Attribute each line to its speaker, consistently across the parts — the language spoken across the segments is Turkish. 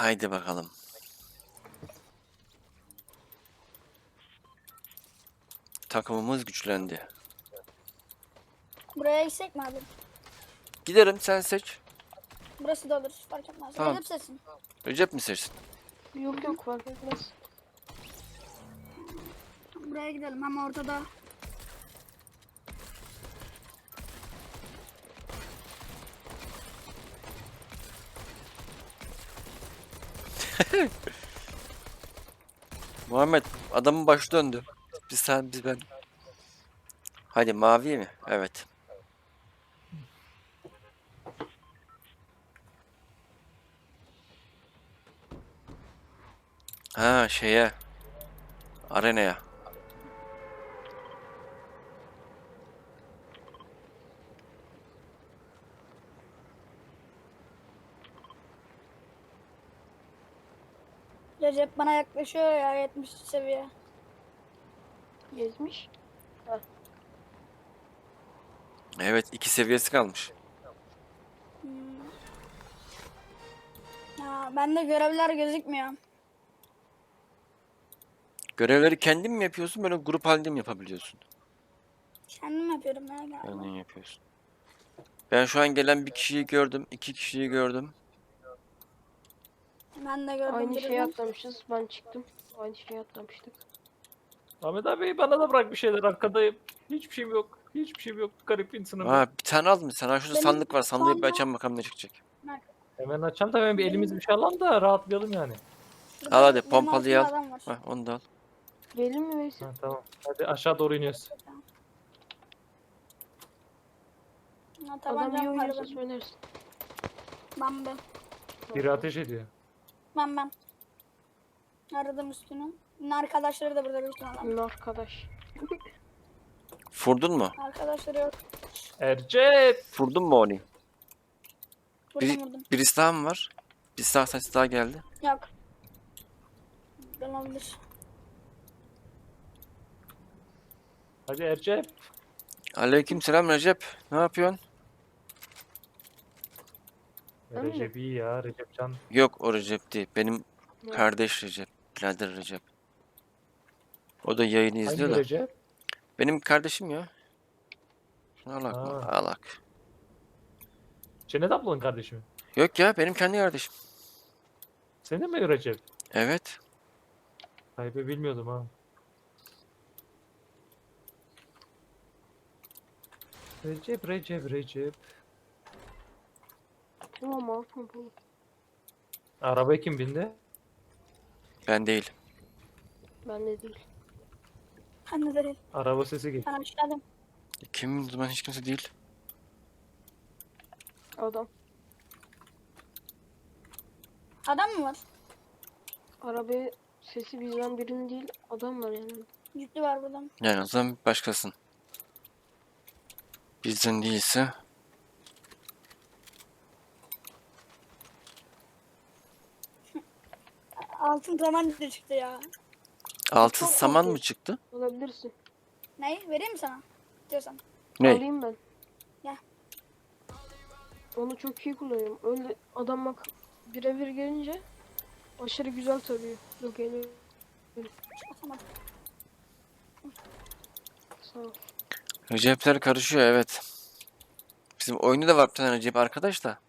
Speaker 1: Haydi bakalım. Takımımız güçlendi.
Speaker 2: Buraya gitsek mi abi?
Speaker 1: Giderim, sen seç.
Speaker 2: Burası da olur. Fark etmez.
Speaker 1: Tamam.
Speaker 2: Recep seçsin.
Speaker 1: Recep mi seçsin?
Speaker 3: Yok yok fark etmez.
Speaker 2: Buraya gidelim ama ortada.
Speaker 1: Muhammed, adamın başı döndü. Biz sen, biz ben. Hadi mavi mi? Evet. Ha, şeye. Arenaya.
Speaker 2: Recep bana yaklaşıyor ya 70 seviye.
Speaker 3: Gezmiş.
Speaker 1: Evet, 2 seviyesi kalmış.
Speaker 2: Ya bende görevler gözükmüyor.
Speaker 1: Görevleri kendin mi yapıyorsun, böyle grup halinde mi yapabiliyorsun?
Speaker 2: Kendim yapıyorum ya galiba.
Speaker 1: Kendin yapıyorsun. Ben şu an gelen bir kişiyi gördüm, 2 kişiyi gördüm.
Speaker 2: Ben de gördüm.
Speaker 3: Aynı
Speaker 2: birini.
Speaker 3: şeye atlamışız. Ben çıktım. Aynı şeye atlamıştık.
Speaker 4: Ahmet abi bana da bırak bir şeyler, arkadayım. Hiçbir şeyim yok. Hiçbir şeyim yok. Garip insanım ben.
Speaker 1: Aa, bir tane aldın mı sen? Ha, şurada
Speaker 2: Benim
Speaker 1: sandık var.
Speaker 2: şu
Speaker 1: Sandığı bir
Speaker 2: anda-
Speaker 1: açalım bakalım ne çıkacak.
Speaker 4: Hemen açalım da hemen bir elimiz bir şey alalım da rahatlayalım yani.
Speaker 2: Şurada
Speaker 1: Al hadi,
Speaker 2: benim
Speaker 1: pompalıyı
Speaker 2: altımda
Speaker 1: al.
Speaker 2: adam var.
Speaker 1: Hah, onu da al.
Speaker 3: Gelin mi Veysel?
Speaker 4: Ha, tamam. Hadi aşağı doğru iniyoruz.
Speaker 2: Ha,
Speaker 3: Adam iyi
Speaker 2: tabancam var
Speaker 3: oynarsa
Speaker 2: benim.
Speaker 3: söylersin.
Speaker 2: Ben.
Speaker 4: Biri ateş ediyor.
Speaker 2: Ben. Aradım üstünü. Arkadaşları da burada büyük ihtimalle.
Speaker 3: Arkadaş.
Speaker 1: Furdun mu?
Speaker 2: Arkadaşları yok.
Speaker 4: Ercep!
Speaker 1: Furdun mu onu?
Speaker 2: Vurdum.
Speaker 1: Birisi daha mı var? Bir sağ ses daha geldi.
Speaker 2: Yok. Olabilir.
Speaker 4: Hadi Ercep.
Speaker 1: Aleykümselam Recep. Ne yapıyorsun?
Speaker 3: Ben mi?
Speaker 4: Recep iyi ya. Recep Can.
Speaker 1: Yok, o Recep değil. Benim
Speaker 3: Ne?
Speaker 1: kardeş Recep. Birader Recep. O da yayını izliyor
Speaker 4: Hangi
Speaker 1: da.
Speaker 4: Recep?
Speaker 1: Benim kardeşim ya. Alak mı?
Speaker 4: Ha.
Speaker 1: Alak.
Speaker 4: Cennet ablanın kardeşi mi?
Speaker 1: Yok ya, benim kendi kardeşim.
Speaker 4: Senin mi Recep?
Speaker 1: Evet.
Speaker 4: Hayır, bilmiyordum ha. Recep.
Speaker 3: Tamam abi pompalı.
Speaker 4: Arabaya kim bindi?
Speaker 1: Ben değil.
Speaker 3: Ben de değil.
Speaker 2: Ben de değil.
Speaker 4: Araba sesi geliyor.
Speaker 2: Ben aşağıdayım.
Speaker 1: Kim? O zaman hiç kimse değil.
Speaker 3: Adam.
Speaker 2: Adam mı var?
Speaker 3: Arabaya sesi bizden birinin değil. Adam var yani.
Speaker 2: Yüklü var burada.
Speaker 1: Yani o zaman başkasın. Bizden değilse.
Speaker 2: Altın tabanca çıktı ya.
Speaker 1: Altın
Speaker 3: Çok
Speaker 1: saman mı
Speaker 3: korkuyorum.
Speaker 1: çıktı?
Speaker 3: Olabilirsin.
Speaker 2: Neyi? Vereyim mi sana? Diyorsan.
Speaker 1: Ne?
Speaker 3: Alayım ben.
Speaker 2: Gel.
Speaker 3: Onu çok iyi kullanıyorum. Öyle adam bak birebir gelince aşırı güzel tarıyor. Yok geliyor.
Speaker 2: Atamadım.
Speaker 3: Sağ ol.
Speaker 1: Recepler karışıyor, evet. Bizim oyunda da var bir tane Recep arkadaş da.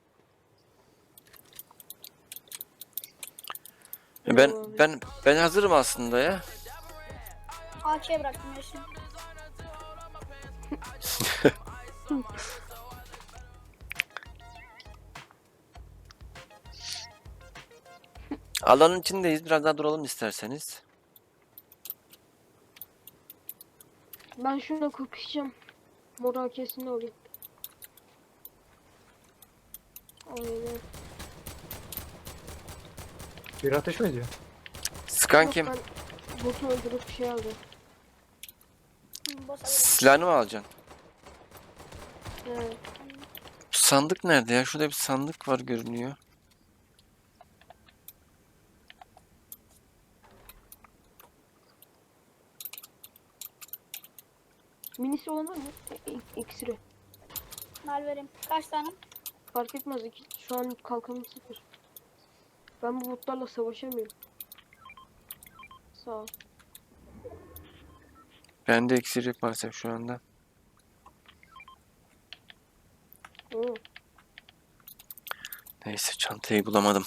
Speaker 1: Ben
Speaker 3: Eyvallah abi.
Speaker 1: ben hazırım aslında ya.
Speaker 2: AK'ye bıraktım ya şimdi.
Speaker 1: Alanın içindeyiz. Biraz daha duralım isterseniz.
Speaker 3: Ben şuna kapışacağım. Moral kesin olayım. Aynen.
Speaker 4: Bir ateş mi ediyor?
Speaker 1: Sıkan
Speaker 3: Yok,
Speaker 1: kim?
Speaker 3: ben botu öldürüp şey aldım.
Speaker 2: Boss alırım.
Speaker 1: Silahını mı alacaksın?
Speaker 3: Evet.
Speaker 1: Bu sandık nerede ya? Şurada bir sandık var görünüyor.
Speaker 3: Minisi olan var mı? İksiri.
Speaker 2: Mal vereyim. Kaç tane?
Speaker 3: Fark etmez. Şu an kalkanım sıfır. Ben bu botlarla savaşamıyorum. Sağ ol.
Speaker 1: Bende iksir yok maalesef şu anda.
Speaker 3: Oo.
Speaker 1: Neyse çantayı bulamadım.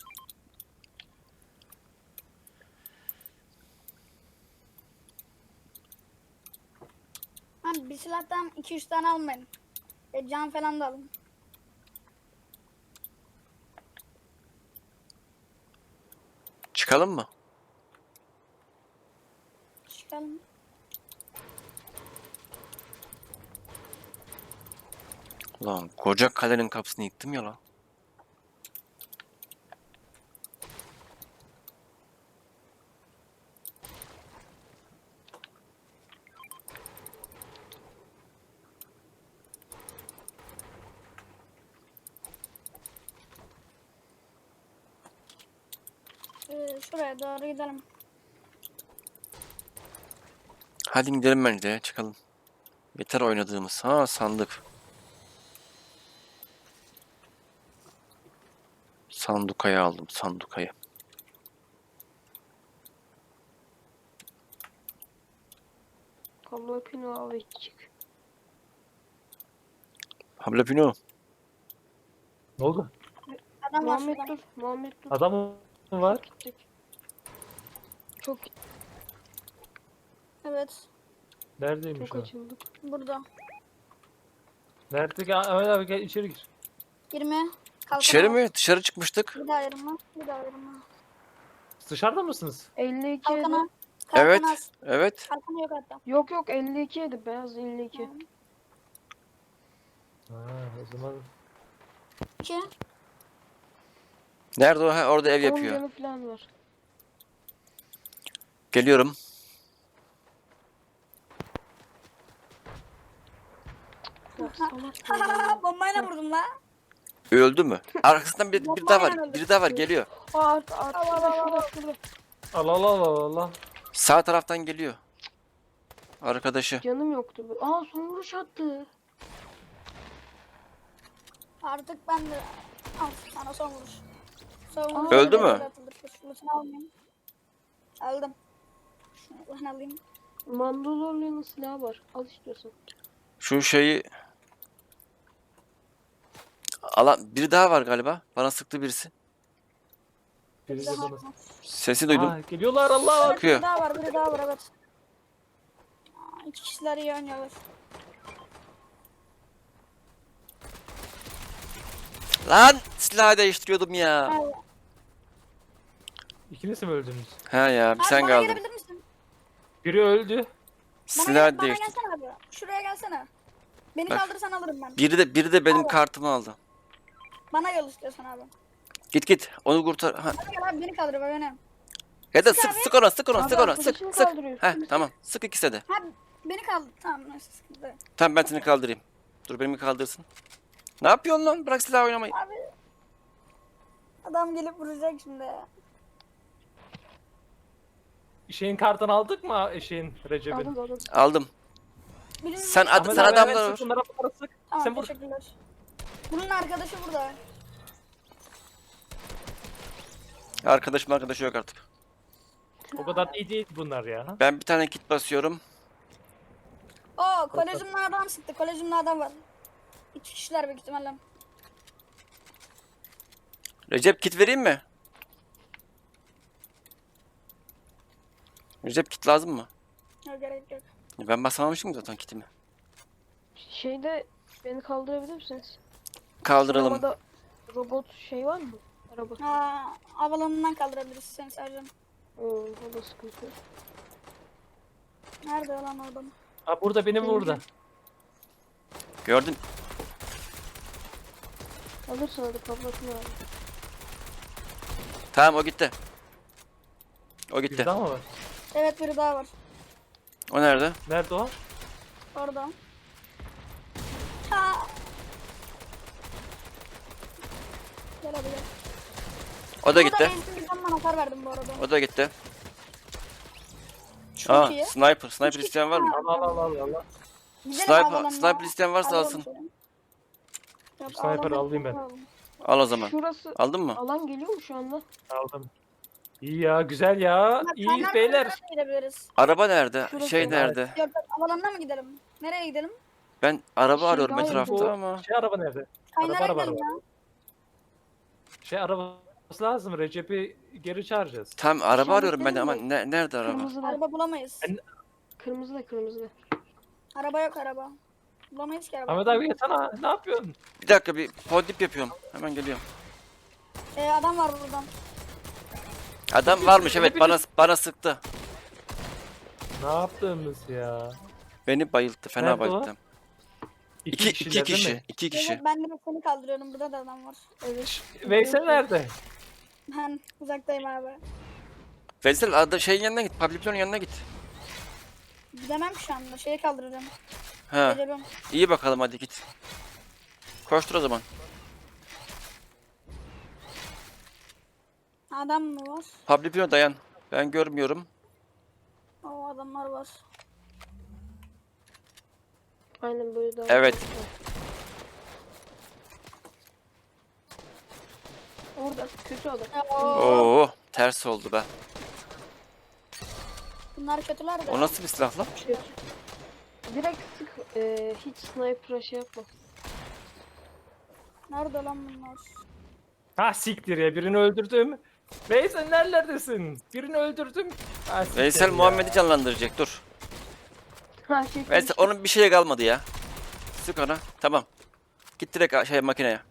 Speaker 2: Abi bir silahtan 2-3 tane almayın. Can falan da alın.
Speaker 1: Çıkalım mı?
Speaker 2: Çıkalım.
Speaker 1: Ulan koca kalenin kapısını yıktım ya lan.
Speaker 2: Şuraya doğru gidelim.
Speaker 1: Hadi gidelim bence ya, çıkalım. Yeter oynadığımız. Ha sandık. Sandukayı aldım sandukayı.
Speaker 3: Kablo pino al ve çık.
Speaker 1: Habla Pino.
Speaker 4: Ne oldu?
Speaker 2: Adam var
Speaker 3: Muhammed
Speaker 2: şurada.
Speaker 3: dur. Muhammed dur.
Speaker 4: Adam mı var?
Speaker 3: Gittik. Çok
Speaker 2: Evet.
Speaker 4: Neredeymiş
Speaker 3: çok
Speaker 4: o?
Speaker 3: açıldık.
Speaker 2: Burada.
Speaker 4: Nerede? Gel, Ahmet abi gel içeri gir.
Speaker 2: 20. Kalkan
Speaker 1: İçeri
Speaker 2: al.
Speaker 1: mi? Dışarı çıkmıştık.
Speaker 2: Bir daha 20. Bir daha 20.
Speaker 4: Dışarıda mısınız?
Speaker 3: 52
Speaker 2: Kalkan
Speaker 3: yedi.
Speaker 2: al. Kalkan
Speaker 1: Evet.
Speaker 2: az.
Speaker 1: Evet.
Speaker 2: Kalkan yok hatta.
Speaker 3: Yok yok 52 yedi. Beyaz 52.
Speaker 4: Ha, o zaman
Speaker 2: 2.
Speaker 1: Nerede o? Ha, orada ev
Speaker 3: 10
Speaker 1: yapıyor.
Speaker 3: canı falan var.
Speaker 1: Geliyorum.
Speaker 3: Ya salak ya.
Speaker 2: Bombayla vurdum la.
Speaker 1: Öldü mü? Arkasından bir daha var.
Speaker 2: Bombayla
Speaker 1: Biri daha var geliyor.
Speaker 3: Art
Speaker 2: Al,
Speaker 3: şurada
Speaker 2: al, al,
Speaker 3: şurada şurada.
Speaker 4: Allah Allah Allah Allah.
Speaker 1: Sağ taraftan geliyor. Arkadaşı.
Speaker 3: Canım yoktu. Aa son vuruş attı.
Speaker 2: Artık ben de al sana son vuruş. Son vuruş.
Speaker 1: Öldü mü?
Speaker 2: Şunu almayayım. Aldım. Şunu ben alayım.
Speaker 3: Mandalorian'ın silahı var. Al istiyorsan.
Speaker 1: Şu şeyi alan biri daha var galiba. Bana sıktı birisi.
Speaker 4: Biri de
Speaker 2: Daha
Speaker 4: bana.
Speaker 2: var.
Speaker 1: Sesi duydum.
Speaker 4: Aa, geliyorlar Allah.
Speaker 1: Bakıyor.
Speaker 2: Biri daha var, biri daha var evet. İki kişiler iyi oynuyorlar.
Speaker 1: Lan silahı değiştiriyordum ya.
Speaker 2: Abi,
Speaker 4: İkiniz mi öldünüz?
Speaker 1: Ha ya bir
Speaker 2: abi
Speaker 1: sen
Speaker 2: bana
Speaker 1: kaldın.
Speaker 2: gelebilir misin?
Speaker 4: Biri öldü.
Speaker 2: Bana,
Speaker 1: Silah
Speaker 2: bana
Speaker 1: değiştir.
Speaker 2: gelsene abi. Şuraya gelsene. Beni
Speaker 1: Bak.
Speaker 2: kaldırırsan alırım ben.
Speaker 1: Biri de benim
Speaker 2: Abi.
Speaker 1: kartımı aldı.
Speaker 2: Bana gel istiyorsan abi.
Speaker 1: Git onu kurtar. Ha.
Speaker 2: Bana gel abi beni kaldır beni.
Speaker 1: Ya da
Speaker 2: Sık
Speaker 1: sık
Speaker 2: abi.
Speaker 1: sık ona sık ona
Speaker 3: Abi
Speaker 1: sık ona sık
Speaker 3: arkadaşını
Speaker 1: sık.
Speaker 3: kaldırıyor.
Speaker 1: Heh tamam sık ikisi de.
Speaker 2: Ha beni kaldır. Tamam neyse sıkıntı yok.
Speaker 1: Tamam ben seni kaldırayım. Dur beni kaldırsın. Ne yapıyorsun lan? Bırak silah oynamayı.
Speaker 2: Abi. Adam gelip vuracak şimdi.
Speaker 4: Şeyin kartını aldık mı Şeyin Recep'in?
Speaker 3: Aldım aldım.
Speaker 1: Aldım.
Speaker 2: Birinin...
Speaker 1: Sen
Speaker 4: Ahmet
Speaker 1: sen
Speaker 4: abi,
Speaker 1: adamları
Speaker 4: evet,
Speaker 1: vur.
Speaker 4: sık, bunlara sık.
Speaker 2: Tamam
Speaker 4: Sen vur.
Speaker 2: teşekkürler. Bunun arkadaşı burada.
Speaker 1: Arkadaşı yok artık.
Speaker 4: O kadar iyi değil bunlar ya.
Speaker 1: Ben bir tane kit basıyorum.
Speaker 2: Oo kolejimle adam sıktı. Kolejimle adam var. İki kişiler büyük ihtimalle.
Speaker 1: Recep kit vereyim mi? Recep kit lazım mı?
Speaker 2: Yok gerek yok.
Speaker 1: Ben basamamıştım zaten kitimi.
Speaker 3: Şeyde beni kaldırabilir misiniz?
Speaker 1: Kaldıralım.
Speaker 3: Sinemada robot şey var mı? Araba.
Speaker 2: Ha, havalanından kaldırabiliriz seni sadece.
Speaker 3: Oo, o da sıkıntı.
Speaker 2: Nerede lan o adam?
Speaker 4: Ha burada benim burada.
Speaker 1: Gördün.
Speaker 3: Alırsın hadi kablosu var.
Speaker 1: Tamam o gitti. O
Speaker 4: Bir
Speaker 1: gitti.
Speaker 4: daha mı var?
Speaker 2: Evet biri daha var.
Speaker 1: O nerede?
Speaker 4: Nerede o?
Speaker 2: Orada. Ha. Gel hadi gel.
Speaker 1: O da gitti.
Speaker 2: Ben hasar verdim bu arada.
Speaker 1: O da gitti.
Speaker 2: Çok
Speaker 1: Aa
Speaker 2: iyi.
Speaker 1: sniper.
Speaker 2: Üç
Speaker 1: Sniper
Speaker 2: kişi
Speaker 1: isteyen var mı?
Speaker 2: var.
Speaker 4: Allah Allah Allah Allah.
Speaker 2: Gidelim
Speaker 1: Sniper,
Speaker 2: havalanına.
Speaker 1: sniper isteyen varsa
Speaker 2: Hadi
Speaker 1: alsın.
Speaker 2: bakalım. Yok,
Speaker 4: Sniper
Speaker 2: havalanına
Speaker 4: alayım ben.
Speaker 2: alalım.
Speaker 1: Al o zaman.
Speaker 3: Şurası
Speaker 1: Aldın mı?
Speaker 3: alan geliyor mu şu anda?
Speaker 4: Aldım. İyi ya, güzel ya.
Speaker 2: Bak,
Speaker 4: İyi
Speaker 2: kaynar
Speaker 4: beyler.
Speaker 2: kaynar gidebiliriz.
Speaker 1: Araba nerede?
Speaker 3: Şurası
Speaker 1: Şey
Speaker 3: var.
Speaker 1: nerede?
Speaker 2: Yok yok, havalanına mı gidelim? Nereye gidelim?
Speaker 1: Ben araba
Speaker 3: Şey
Speaker 1: arıyorum
Speaker 3: daha
Speaker 1: etrafta
Speaker 3: yakın.
Speaker 1: ama.
Speaker 4: Şey araba nerede?
Speaker 2: Kaynara
Speaker 4: Araba
Speaker 2: gidelim ya.
Speaker 4: Şey arabası lazım. Recep'i geri çağıracağız.
Speaker 1: Tam araba arıyorum ben de ama
Speaker 3: İşaretledim
Speaker 1: nerede araba?
Speaker 3: Kırmızı da.
Speaker 2: Araba bulamayız.
Speaker 4: Ben-
Speaker 3: Kırmızı da kırmızı da.
Speaker 2: Araba yok araba. Bulamayız ki araba.
Speaker 4: Ahmet abi yatana. Ne yapıyorsun?
Speaker 1: Bir dakika bir podip yapıyorum. Hemen geliyorum.
Speaker 2: Adam var buradan.
Speaker 1: Adam varmış evet bana sıktı.
Speaker 4: Ne yaptığımız ya?
Speaker 1: Beni bayılttı fena
Speaker 4: Nerede o?
Speaker 1: bayılttı. İki
Speaker 4: kişiler değil
Speaker 1: kişi.
Speaker 4: mi?
Speaker 1: 2 kişi.
Speaker 2: Evet, ben de seni kaldırıyorum. Burada da adam var.
Speaker 3: Evet.
Speaker 4: Veysel nerede?
Speaker 2: Ben uzaktayım abi.
Speaker 1: Veysel adı şeyin yanına git. Pablito'nun yanına git.
Speaker 2: Gidemem ki şu anda. Şeyi kaldırıyorum.
Speaker 1: Ha.
Speaker 2: Geliyorum.
Speaker 1: İyi bakalım hadi git. Koştur o zaman.
Speaker 2: Adam mı var?
Speaker 1: Pablito dayan. Ben görmüyorum.
Speaker 2: O adamlar var.
Speaker 3: Aynen böyle daha.
Speaker 1: Evet.
Speaker 3: Orada kötü adam.
Speaker 2: Oo,
Speaker 1: Oo ters oldu be.
Speaker 2: bunlar kötüler de.
Speaker 1: O nasıl bir silah lan?
Speaker 3: Kötü. Direkt sık. Hiç sniper'a şey yapma.
Speaker 2: Nerede lan bunlar?
Speaker 4: Ha siktir ya, birini öldürdüm. Veysel nerelerdesin? Birini öldürdüm. Ha, siktir
Speaker 1: Veysel
Speaker 4: ya.
Speaker 1: Muhammed'i canlandıracak dur.
Speaker 3: Ha şey
Speaker 1: Veysel
Speaker 3: karıştı.
Speaker 1: onun bir şeye kalmadı ya. Sık ona. Tamam. Git direkt şey makineye.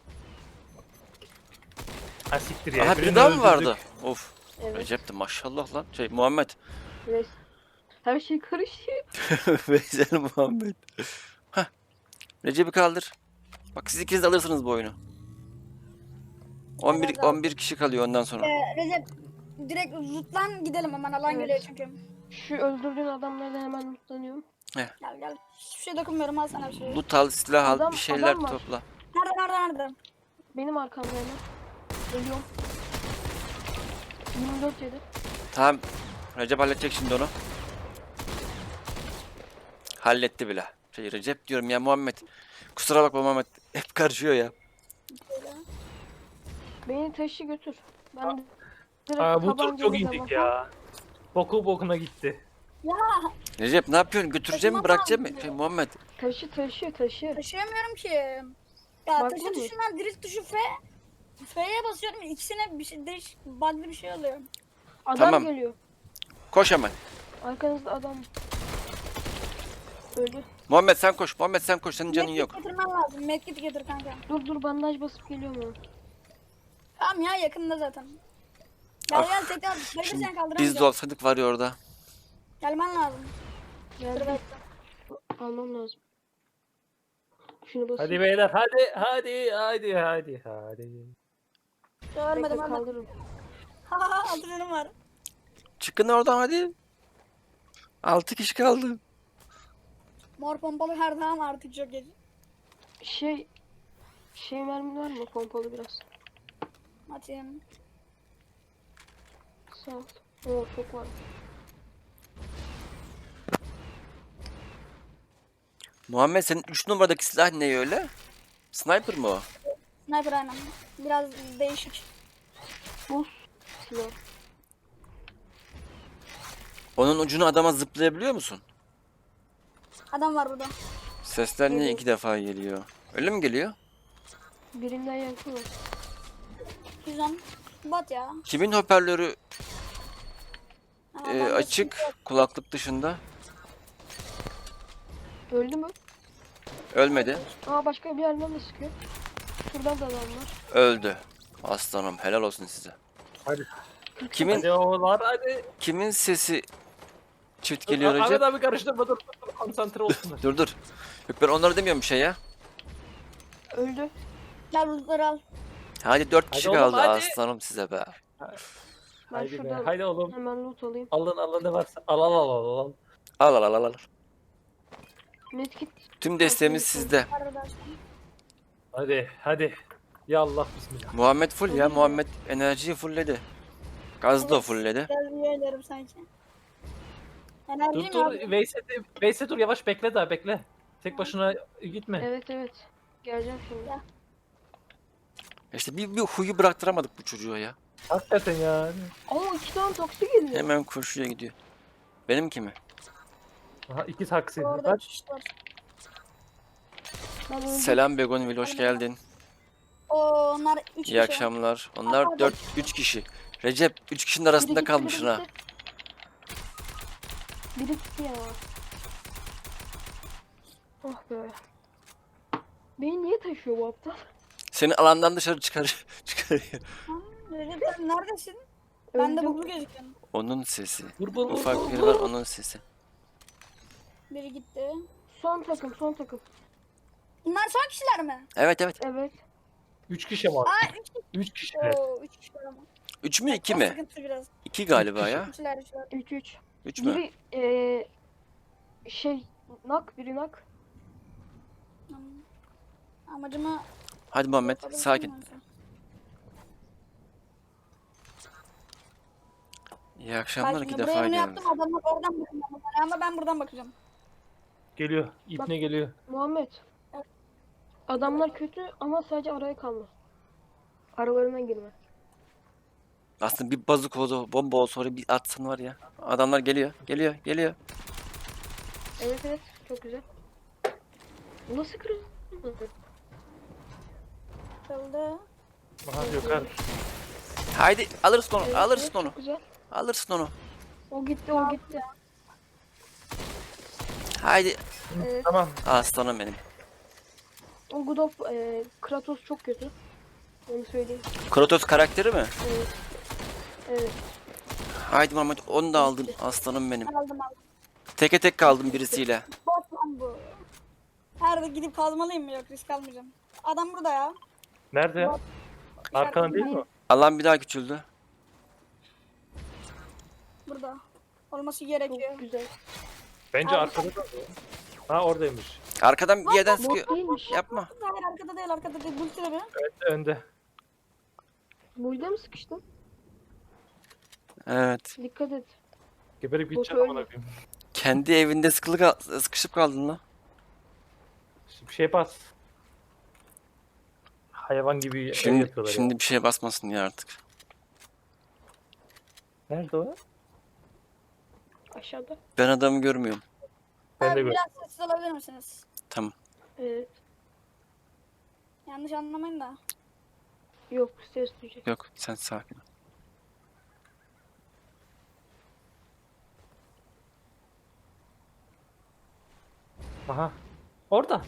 Speaker 4: Ha siktir ya.
Speaker 1: Aha biri
Speaker 4: birini
Speaker 1: daha mı
Speaker 4: öldürdük.
Speaker 1: vardı? Of.
Speaker 3: Evet.
Speaker 1: Recep de maşallah lan. Şey Muhammed.
Speaker 3: Evet. Her şey karışıyor.
Speaker 1: Veysel Muhammed. Hah. Recep'i kaldır. Bak siz ikiniz de alırsınız bu oyunu. 11 kişi kalıyor ondan sonra.
Speaker 2: Recep direkt lootlan gidelim hemen alan
Speaker 3: Evet.
Speaker 2: geliyor çünkü.
Speaker 3: Şu öldürdüğün adamları da hemen mutlanıyorum.
Speaker 2: Gel gel. Hiçbir şey dokunmuyorum, al sana bir şey.
Speaker 1: Loot al, silah al,
Speaker 3: Adam-
Speaker 1: bir şeyler
Speaker 3: adam var.
Speaker 1: topla.
Speaker 2: Nerede?
Speaker 3: Benim arkamda hemen. Geliyorum. 24 yedi.
Speaker 1: Tamam. Recep halledecek şimdi onu. Halletti bile. Şey Recep diyorum ya Muhammed. Kusura bakma Muhammed. Hep karışıyor ya.
Speaker 3: Beni taşı götür. Ben de direkt
Speaker 4: Aa, bu tur
Speaker 3: tabancayla
Speaker 4: çok
Speaker 3: devam.
Speaker 4: indik ya. Boku bokuna gitti.
Speaker 1: Recep ne yapıyorsun? Götüreceğim mi
Speaker 2: Taşımam
Speaker 1: bırakacağım mı?
Speaker 2: lazım.
Speaker 1: Şey, Muhammed.
Speaker 3: Taşı.
Speaker 2: Taşıyamıyorum ki. Ya
Speaker 3: Baktın
Speaker 2: taşı
Speaker 3: mı?
Speaker 2: tuşundan drift tuşu F. F'ye basıyorum, ikisine bir şey değiş, bug'lı bir şey oluyor.
Speaker 3: Adam
Speaker 1: Tamam.
Speaker 3: geliyor.
Speaker 1: Koş hemen.
Speaker 3: Arkanızda adam. Öldü.
Speaker 1: Muhammed sen koş. Muhammed sen koş. Senin canın
Speaker 2: Medkit
Speaker 1: yok.
Speaker 2: getirmen lazım. Medkit getir kanka.
Speaker 3: Dur bandaj basıp geliyorum ben.
Speaker 2: Tamam ya, yakında zaten. Gel
Speaker 1: Ah,
Speaker 2: gel tekrar. Bayılır
Speaker 1: Şimdi
Speaker 2: sen
Speaker 1: biz de
Speaker 2: kaldıramayacağım.
Speaker 1: olsaydık var ya orada.
Speaker 2: Gelmen lazım. Dur
Speaker 3: Geldi.
Speaker 2: bekle.
Speaker 3: Almam lazım. Şunu basayım.
Speaker 4: Hadi beyler, hadi.
Speaker 2: Görmedim
Speaker 3: Bekle
Speaker 2: ama.
Speaker 3: kaldırırım.
Speaker 2: Haha, 6 canım var.
Speaker 1: Çıkın oradan hadi. 6 kişi kaldı.
Speaker 2: Mor pompalı her zaman artık çok geç.
Speaker 3: Şey mermi var mı pompalı biraz?
Speaker 2: Atayım.
Speaker 3: Sağ ol. Oo çok var.
Speaker 1: Muhammed senin 3 numaradaki silah ne öyle? Sniper mı o?
Speaker 2: Sniper aynen. Biraz değişik.
Speaker 3: Buz silah.
Speaker 1: Onun ucunu adama zıplayabiliyor musun?
Speaker 2: Adam var burada.
Speaker 1: Sesler niye
Speaker 3: Geliyor.
Speaker 1: 2 defa geliyor? Öyle mi geliyor?
Speaker 3: Birinden yankı var.
Speaker 2: Güzel. Bot ya.
Speaker 1: Kimin hoparlörü
Speaker 2: Ha, bende
Speaker 1: açık
Speaker 2: sıkıntı yok.
Speaker 1: kulaklık dışında?
Speaker 3: Öldü mü?
Speaker 1: Ölmedi.
Speaker 3: Aa başka bir yerden de sıkıyor. Şuradan da adam var.
Speaker 1: Öldü. Aslanım helal olsun size.
Speaker 4: Hadi.
Speaker 1: Kimin
Speaker 4: Hadi oğullar hadi.
Speaker 1: kimin sesi çift geliyor
Speaker 4: Ahmet
Speaker 1: Recep?
Speaker 4: abi karıştırma, dur. Konsantre olsunlar.
Speaker 1: Dur. Yok ben onları demiyorum bir şey ya.
Speaker 3: Öldü.
Speaker 2: Gel bulutları al.
Speaker 1: Hadi 4 kişi
Speaker 4: oğlum,
Speaker 1: kaldı
Speaker 4: hadi.
Speaker 1: aslanım size be.
Speaker 3: Ben
Speaker 4: Hadi be.
Speaker 3: şuradan
Speaker 4: Hadi oğlum.
Speaker 3: hemen loot alayım.
Speaker 4: Alın ne varsa. Al.
Speaker 1: Al.
Speaker 3: Medkit.
Speaker 1: Tüm desteğimiz sizde.
Speaker 2: Arkadaşlar.
Speaker 4: Hadi. Ya Allah bismillah.
Speaker 1: Muhammed full ya. Muhammed enerjiyi fullledi. Gazı da
Speaker 2: Evet.
Speaker 1: fullledi.
Speaker 2: Biraz üyelerim sanki. Enerjim
Speaker 4: Dur
Speaker 2: ya.
Speaker 4: Veysel dur, yavaş bekle daha bekle. Tek başına gitme.
Speaker 3: Evet. Geleceğim şimdi.
Speaker 1: İşte bir huyu bıraktıramadık bu çocuğa ya.
Speaker 4: Hakikaten yani.
Speaker 3: Ama 2 tane taksi geliyor.
Speaker 1: Hemen koşuya gidiyor. Benimki mi?
Speaker 4: Aha 2 taksi.
Speaker 2: Orada
Speaker 4: Bak.
Speaker 2: kişi var.
Speaker 3: Ben öldüm.
Speaker 1: Selam Begonvil, hoş geldin.
Speaker 2: Onlar 3 kişi.
Speaker 1: İyi akşamlar. Onlar 3 kişi. Recep 3 kişinin arasında
Speaker 3: Biri gitti,
Speaker 1: kalmışsın
Speaker 3: biri
Speaker 1: ha.
Speaker 3: gitti. Biri gitti ya. Oh be. Beni niye taşıyor bu aptal?
Speaker 1: Seni alandan dışarı çıkarıyor.
Speaker 2: Recep sen neredesin? Ben de
Speaker 3: Öldüm.
Speaker 2: bugün gözüküyorum.
Speaker 1: Onun sesi.
Speaker 4: Vur.
Speaker 1: Ufak biri var, onun sesi.
Speaker 2: Biri gitti.
Speaker 3: Son takım.
Speaker 2: Bunlar son kişiler mi?
Speaker 1: Evet evet.
Speaker 3: Evet.
Speaker 4: 3 kişi var.
Speaker 2: Aa 3 kişi.
Speaker 4: 3 kişi.
Speaker 2: Oo 3 kişi var ama.
Speaker 1: 3 mü 2
Speaker 2: O
Speaker 1: mi?
Speaker 2: sıkıntı biraz.
Speaker 1: 2 galiba
Speaker 4: kişi.
Speaker 1: ya.
Speaker 2: 3'ler 3'ler.
Speaker 3: 3-3.
Speaker 1: 3 mü?
Speaker 3: Biri biri nak.
Speaker 2: Amacımı
Speaker 1: Hadi Muhammed sakin. İyi akşamlar, 2
Speaker 2: Buraya
Speaker 1: defa
Speaker 2: bunu
Speaker 1: geldi.
Speaker 2: yaptım adamlar oradan bakıyor ama ben buradan bakacağım.
Speaker 4: Geliyor. İpne geliyor.
Speaker 3: Muhammed. Adamlar kötü ama sadece araya kalma. Aralarına girme.
Speaker 1: Aslında bir bazuk oldu, bomba olsa oraya bir atsan var ya. Adamlar geliyor.
Speaker 3: Evet çok güzel. Bu nasıl kırıldı?
Speaker 2: Kıldı.
Speaker 4: Aha Gökhan.
Speaker 1: Haydi alırsın onu,
Speaker 3: Evet,
Speaker 1: alırsın
Speaker 3: evet,
Speaker 1: onu.
Speaker 3: Çok güzel.
Speaker 1: Alırsın onu.
Speaker 3: O gitti.
Speaker 1: Haydi.
Speaker 3: Evet.
Speaker 4: Tamam.
Speaker 1: Aslanım benim.
Speaker 3: O Godot Kratos çok kötü. Onu söyleyeyim.
Speaker 1: Kratos karakteri mi?
Speaker 3: Evet. Evet.
Speaker 1: Haydi Muhammed, onu da aldın. Aslanım benim.
Speaker 2: Aldım.
Speaker 1: Teke tek kaldım birisiyle.
Speaker 2: Bot lan bu. Nerede gidip kazmalıyım mı? Yok risk almayacağım. Adam burada ya.
Speaker 4: Nerede ya? Arkana değil mi?
Speaker 1: Allah'ım bir daha küçüldü.
Speaker 2: Burada. Olması
Speaker 3: Çok
Speaker 2: gerekiyor.
Speaker 3: güzel.
Speaker 4: Bence
Speaker 2: Abi,
Speaker 4: arkada da. Ha oradaymış.
Speaker 1: Arkadan bir yerden sıkıyor.
Speaker 3: Bot değilmiş.
Speaker 1: Yapma.
Speaker 2: Hayır arkada değil. Bu sıra bir.
Speaker 4: Önde.
Speaker 3: Burada mı sıkıştın?
Speaker 1: Evet.
Speaker 3: Dikkat et.
Speaker 4: Geberip
Speaker 3: Bot
Speaker 4: gideceğim
Speaker 3: öldü.
Speaker 4: amına koyayım.
Speaker 1: Kendi evinde sıkışıp kaldın lan.
Speaker 4: Bir şey bas. Hayvan gibi ev
Speaker 1: Şimdi,
Speaker 4: yapıyorlar
Speaker 1: şimdi
Speaker 4: ya.
Speaker 1: bir şeye basmasın ya artık.
Speaker 4: Nerede o?
Speaker 3: Aşağıda.
Speaker 1: Ben adamı görmüyorum.
Speaker 4: Ben de
Speaker 2: Abi
Speaker 4: gör.
Speaker 2: biraz sessiz olabilir misiniz?
Speaker 1: Tamam.
Speaker 3: Evet.
Speaker 2: Yanlış anlamayın da.
Speaker 3: Yok ses duyacak.
Speaker 1: Yok, sen sakin ol.
Speaker 4: Aha. Orada.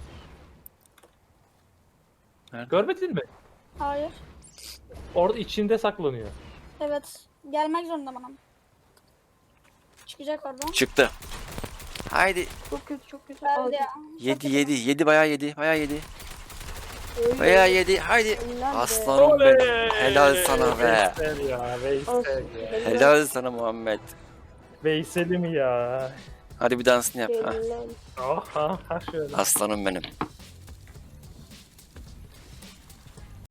Speaker 1: Nerede?
Speaker 4: Görmedin mi?
Speaker 2: Hayır.
Speaker 4: Orada içinde saklanıyor.
Speaker 2: Evet. Gelmek zorunda bana. Çıkacak oradan.
Speaker 1: Çıktı. Haydi.
Speaker 3: Çok kötü.
Speaker 2: Geldi
Speaker 3: Aldım.
Speaker 2: ya.
Speaker 1: Yedi bayağı yedi.
Speaker 3: Öyle.
Speaker 1: Bayağı yedi. Haydi.
Speaker 3: Helal be.
Speaker 1: Aslanım benim. Helal sana be.
Speaker 4: Veysel ya. Veysel
Speaker 3: Olsun.
Speaker 4: ya.
Speaker 1: Helal sana Muhammed.
Speaker 4: Veysel'im ya.
Speaker 1: Hadi bir dansını yap. Ha.
Speaker 3: Helal.
Speaker 4: Aha. Ha şöyle.
Speaker 1: Aslanım benim.